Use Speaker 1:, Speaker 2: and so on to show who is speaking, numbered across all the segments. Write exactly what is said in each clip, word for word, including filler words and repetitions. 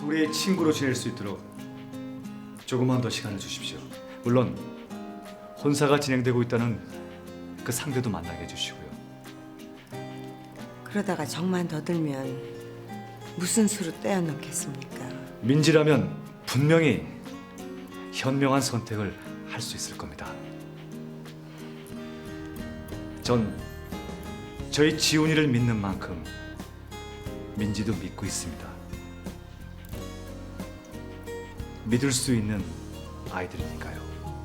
Speaker 1: 둘이 친구로 지낼 수 있도록 조금만 더 시간을 주십시오. 물론 혼사가 진행되고 있다는 그 상대도 만나게 해주시고요.
Speaker 2: 그러다가 정만 더 들면 무슨 수로 떼어놓겠습니까?
Speaker 1: 민지라면 분명히 현명한 선택을 할 수 있을 겁니다. 전 저희 지훈이를 믿는 만큼 민지도 믿고 있습니다. 믿을 수 있는 아이들이니까요.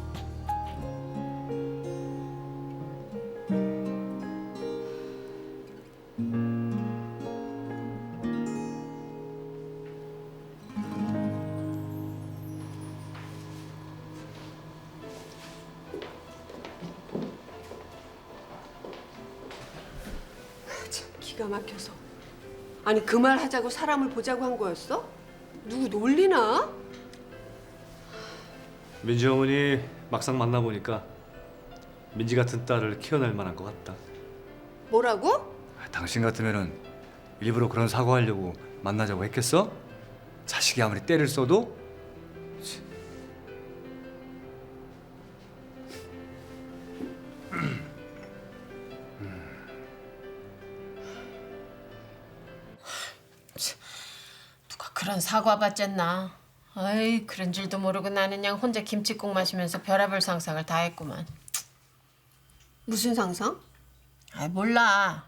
Speaker 3: 기가 막혀서. 아니 그 말 하자고 사람을 보자고 한 거였어? 누구 놀리나?
Speaker 4: 민지 어머니 막상 만나보니까 민지 같은 딸을 키워낼 만한 것 같다.
Speaker 3: 뭐라고?
Speaker 1: 당신 같으면은 일부러 그런 사고하려고 만나자고 했겠어? 자식이 아무리 때를 써도?
Speaker 5: 누가 그런 사과받잖나. 아이 그런 줄도 모르고 나는 그냥 혼자 김치국 마시면서 별의별 상상을 다 했구만.
Speaker 3: 무슨 상상?
Speaker 5: 아이 몰라.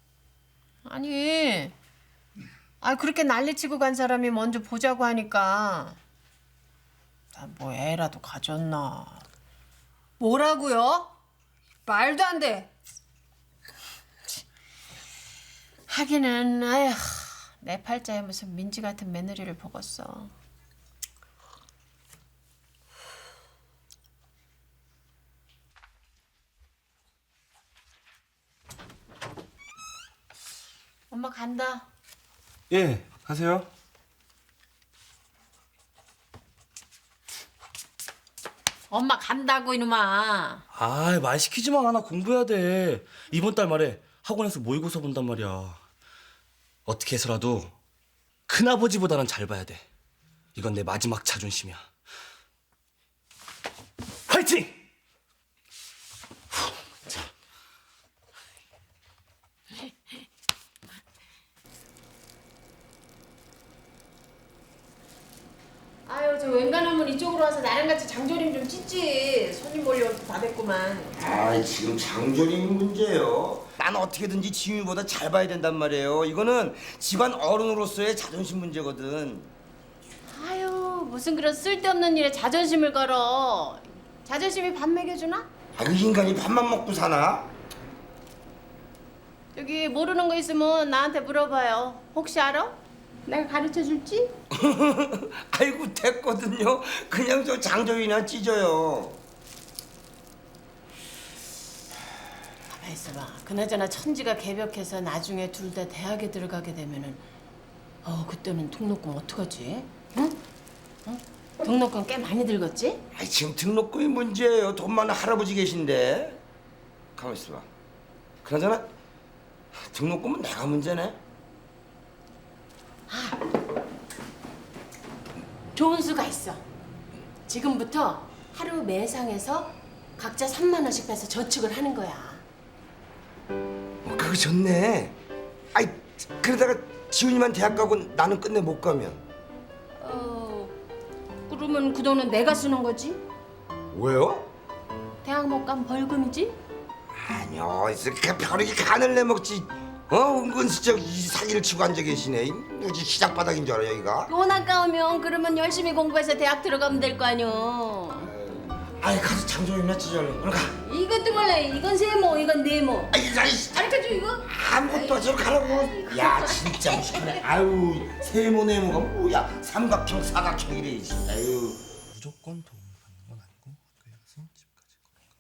Speaker 5: 아니 아 그렇게 난리치고 간 사람이 먼저 보자고 하니까 나 뭐 애라도 가졌나.
Speaker 3: 뭐라고요? 말도 안 돼.
Speaker 5: 하기는 아휴 내 팔자에 무슨 민지 같은 며느리를 보겠어. 엄마 간다.
Speaker 6: 예, 가세요.
Speaker 5: 엄마 간다고 이놈아.
Speaker 6: 아, 말 시키지 마. 나 공부해야 돼. 이번 달 말에 학원에서 모의고사 본단 말이야. 어떻게 해서라도 큰아버지보다는 잘 봐야 돼. 이건 내 마지막 자존심이야. 화이팅!
Speaker 5: 아유 저 웬간하면 이쪽으로 와서 나랑 같이 장조림 좀 찢지. 손님 몰려오고 다 됐구만.
Speaker 7: 아 지금 장조림이 문제예요. 난 어떻게든지 지윤이보다 잘 봐야 된단 말이에요. 이거는 집안 어른으로서의 자존심 문제거든.
Speaker 5: 아유 무슨 그런 쓸데없는 일에 자존심을 걸어. 자존심이 밥 먹여주나?
Speaker 7: 아, 그 인간이 밥만 먹고 사나?
Speaker 5: 여기 모르는 거 있으면 나한테 물어봐요. 혹시 알아? 내가 가르쳐 줄지?
Speaker 7: 아이고 됐거든요. 그냥 저 장조림이나 찢어요.
Speaker 5: 가만 있어봐. 그나저나 천지가 개벽해서 나중에 둘 다 대학에 들어가게 되면은 어 그때는 등록금 어떡하지? 응? 응? 등록금 꽤 많이 들겠지?
Speaker 7: 아 지금 등록금이 문제예요. 돈 많은 할아버지 계신데. 가만 있어봐. 그나저나 등록금은 내가 문제네.
Speaker 5: 좋은 수가 있어. 지금부터 하루 매상에서 각자 삼만 원씩 빼서 저축을 하는 거야.
Speaker 7: 어, 그거 좋네. 아이 그러다가 지훈이만 대학 가고 나는 끝내 못 가면.
Speaker 5: 어 그러면 그 돈은 내가 쓰는 거지?
Speaker 7: 왜요?
Speaker 5: 대학 못 가면 벌금이지?
Speaker 7: 아니요, 그 벼룩이 간을 내먹지. 어, 은근슬쩍 이 사기를 치고 앉아 계시네. 무지 시작 바닥인 줄 알아 여기가.
Speaker 5: 돈 아까우면 그러면 열심히 공부해서 대학 들어가면 될 거 아니오.
Speaker 7: 아이 가서 장조림이나 찢어 얼른. 얼른 가.
Speaker 5: 이것도 몰래 이건 세모 이건 네모.
Speaker 7: 아이 아이
Speaker 5: 가르쳐줘 이거?
Speaker 7: 아무것도 하지 가라고. 야 진짜 무식하네. 아유 세모네모가 뭐야? 삼각형 사각형이래. 아유.
Speaker 6: 무조건 도움을 받는 건 아니고 학교에 가서 집까지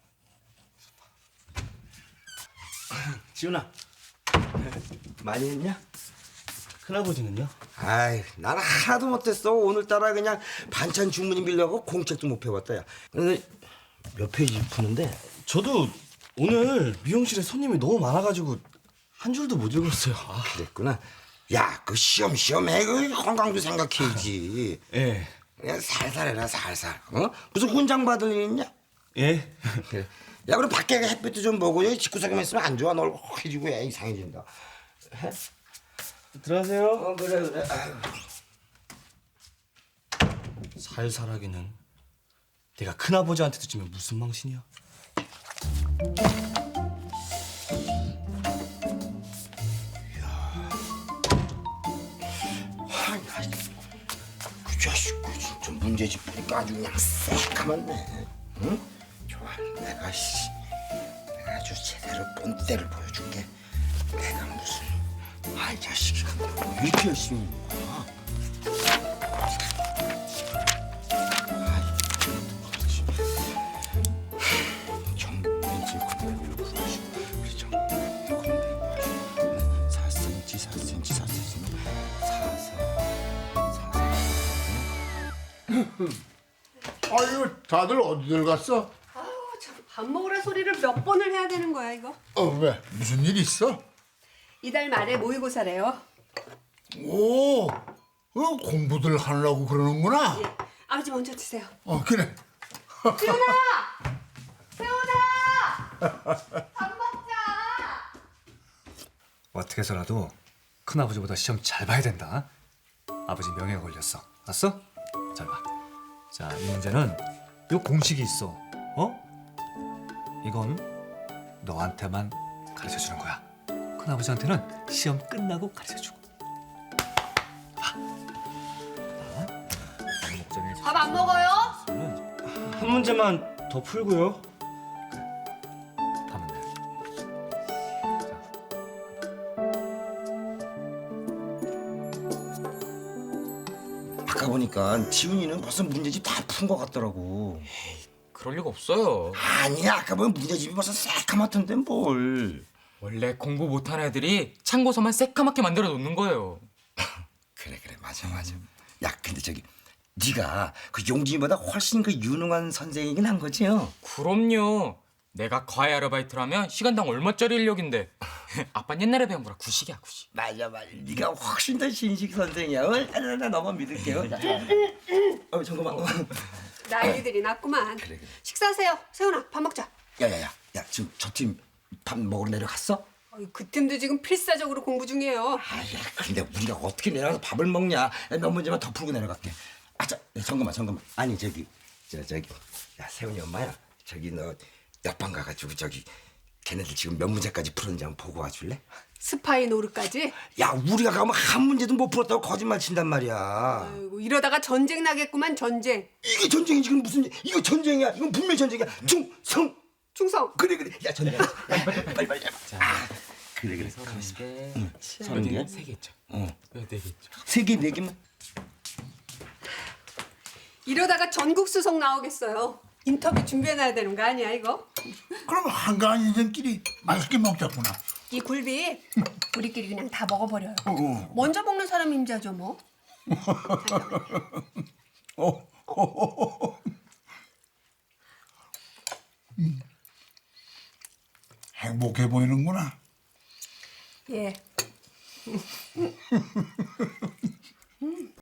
Speaker 6: 걸어가. 지훈아, 많이 했냐? 큰아버지는요?
Speaker 7: 아이 나는 하나도 못했어. 오늘따라 그냥 반찬 주문이 밀려고 공책도 못 펴봤다 야. 근데 몇 페이지 푸는데?
Speaker 6: 저도 오늘 미용실에 손님이 너무 많아가지고 한 줄도 못 읽었어요. 아.
Speaker 7: 그랬구나. 야, 그 시험 시험해. 그 건강도 생각해야지.
Speaker 6: 예.
Speaker 7: 그냥 살살 해라 살살. 어? 무슨 훈장 받을 일 있냐?
Speaker 6: 예.
Speaker 7: 그래. 야, 그럼 밖에 햇빛도 좀 보고 여기 집구석에만 있으면 안 좋아. 너 얼굴 허해지고 야 이상해진다.
Speaker 6: 들어가세요.
Speaker 7: 어 그래 그래. 아유.
Speaker 6: 살살하기는 내가 큰아버지한테도 주면 무슨 망신이야?
Speaker 7: 아이, 아이, 그 자식 그 진짜 문제집 보니까 아주 그냥 새까맣네. 응? 좋아. 내가 씨 내가 아주 제대로 본때를 보여줄게. 내가 무슨 아이 자식이 뭐 이렇게 열심히 있는 거야? 정면지 군대를 구하시고 그래 정면 군대 구하시고 사 센티미터 사 센티미터 사 센티미터 사사
Speaker 8: 아유, 다들 어디들 갔어?
Speaker 3: 아우 참 밥 먹으라 소리를 몇 번을 해야 되는 거야 이거.
Speaker 8: 어, 왜? 무슨 일 있어?
Speaker 3: 이달 말에 모의고사래요.
Speaker 8: 오, 어, 공부들 하려고 그러는구나.
Speaker 3: 예. 아버지 먼저 드세요.
Speaker 8: 어, 그래.
Speaker 4: 어떻게 해서라도 큰아버지보다 시험 잘 봐야 된다. 아버지 명예가 걸렸어. 알았어? 잘 봐. 자, 이 문제는 요 공식이 있어. 어? 이건 너한테만 가르쳐 주는 거야. 큰아버지한테는 시험 끝나고 가르쳐 주고.
Speaker 3: 밥 안 먹어요?
Speaker 6: 한 문제만 더 풀고요.
Speaker 4: 하면 돼.
Speaker 7: 아까 보니까 지훈이는 벌써 문제집 다 푼 것 같더라고.
Speaker 9: 그럴 리가 없어요.
Speaker 7: 아니야, 아까 보면 문제집이 벌써 새까맣던데 뭘.
Speaker 9: 원래 공부 못하는 애들이 참고서만 새까맣게 만들어 놓는 거예요.
Speaker 7: 그래 그래 맞아 맞아. 야 근데 저기 네가 그 용진이보다 훨씬 그 유능한 선생이긴 한 거지요?
Speaker 9: 그럼요. 내가 과외 아르바이트를 하면 시간당 얼마짜리 인력인데. 아빠는 옛날에 배운 거라 구식이야 구식.
Speaker 7: 맞아 맞아. 네가 훨씬 더 신식 선생이야. 어? 나, 나 너만 믿을게요. 자. 어 잠깐만. 어.
Speaker 3: 난리들이 났구만.
Speaker 7: 그래, 그래.
Speaker 3: 식사하세요. 세훈아 밥 먹자.
Speaker 7: 야야야, 야 지금 저 팀 밥 먹으러 내려갔어?
Speaker 3: 어이, 그 팀도 지금 필사적으로 공부 중이에요.
Speaker 7: 아야, 근데 우리가 어떻게 내려가서 밥을 먹냐? 야, 몇 문제만 더 풀고 내려갈게. 아, 저, 야, 잠깐만, 잠깐만. 아니 저기, 저 저기, 야 세훈이 엄마야. 저기 너 옆방 가가지고 저기 걔네들 지금 몇 문제까지 풀었는지 한번 보고 와줄래?
Speaker 3: 스파이 노릇까지.
Speaker 7: 야, 우리가 가면 한 문제도 못 풀었다고 거짓말 친단 말이야.
Speaker 3: 아이고 이러다가 전쟁 나겠구만 전쟁.
Speaker 7: 이게 전쟁이 지금 무슨 이거 전쟁이야? 이건 분명히 전쟁이야. 충성.
Speaker 3: 충성.
Speaker 7: 그래 그래. 야 전쟁. 야, 빨리 빨리 빨리. 아, 그래 그래.
Speaker 9: 서른 개.
Speaker 7: 서른 개?
Speaker 9: 세개 있죠.
Speaker 7: 어.
Speaker 9: 네 개 있죠.
Speaker 7: 세 개, 네 개만.
Speaker 3: 이러다가 전국 수석 나오겠어요. 인터뷰 준비해놔야 되는 거 아니야 이거?
Speaker 8: 그럼 한가한 인생끼리 맛있게 먹자꾸나.
Speaker 3: 이 굴비 우리끼리 그냥 다 먹어버려요.
Speaker 8: 어.
Speaker 3: 먼저 먹는 사람이 임자죠 뭐.
Speaker 8: 어, 어, 어. 음. 행복해 보이는구나.
Speaker 3: 예.